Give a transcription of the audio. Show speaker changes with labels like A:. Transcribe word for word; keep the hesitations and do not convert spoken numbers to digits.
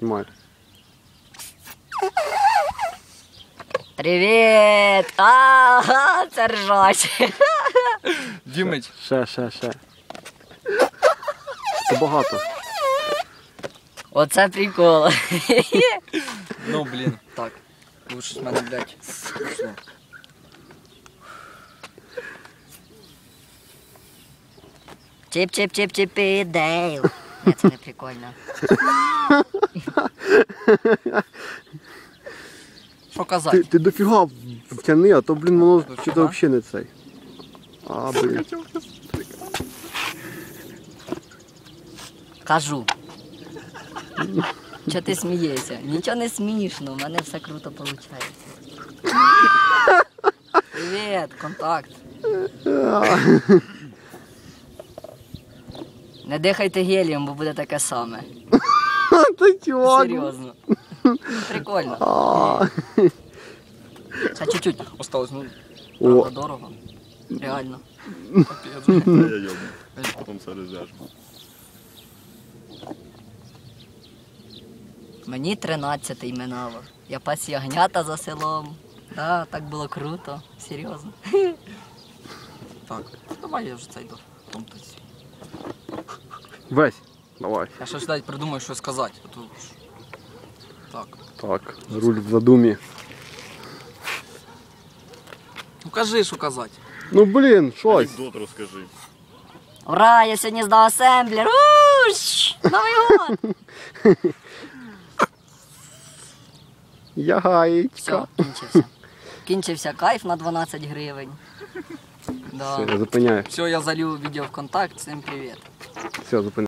A: Знімай.
B: Привіт! Ага, це ржач.
C: Дімич.
A: Ще, ще, ще. Це багато.
B: Оце прикол.
C: Ну, блін, так. Лучше з мене, блядь.
B: Чіп-чіп-чіп-чіпі, Дейл. Ні, це не прикольно.
C: Що
A: Ти,
C: казати?
A: ти дофіга втяни, а то, блін, воно
C: Дофіга?
A: чи то взагалі не цей. А, блін.
B: Кажу. Чого ти смієшся? Нічого не смішно, у мене все круто виходить. Привіт, контакт. Не дихайте гелієм, бо буде таке саме.
A: Та чувак.
B: Серйозно. Прикольно.
A: А.
B: Ще чуть-чуть.
C: Осталось, ну,
A: О,
B: Правда, дорого. Реально.
C: капець.
D: Я йобну. Потім все розв'яжемо.
B: Мені тринадцятий минало. Я пас ягнята за селом. Да, так було круто. Серйозно.
C: Так, давай я вже цей до томтиці.
A: весь. Давай.
C: Я ще ж навіть придумаю, що сказати. а то ж- Так.
A: Так, руль в задумі.
C: Ну кажи, що казати.
A: Ну, блін, щось.
D: Анекдот розкажи.
B: Ура, я сьогодні здав асемблер. Уш! Новий год!
A: Ягаєчка.
B: Все, кінчився. Кінчився кайф на дванадцять гривень. Да.
A: Все, я зупиняю.
C: Все, я залью відео в контакт, всім привіт.
A: Все, зупиняю.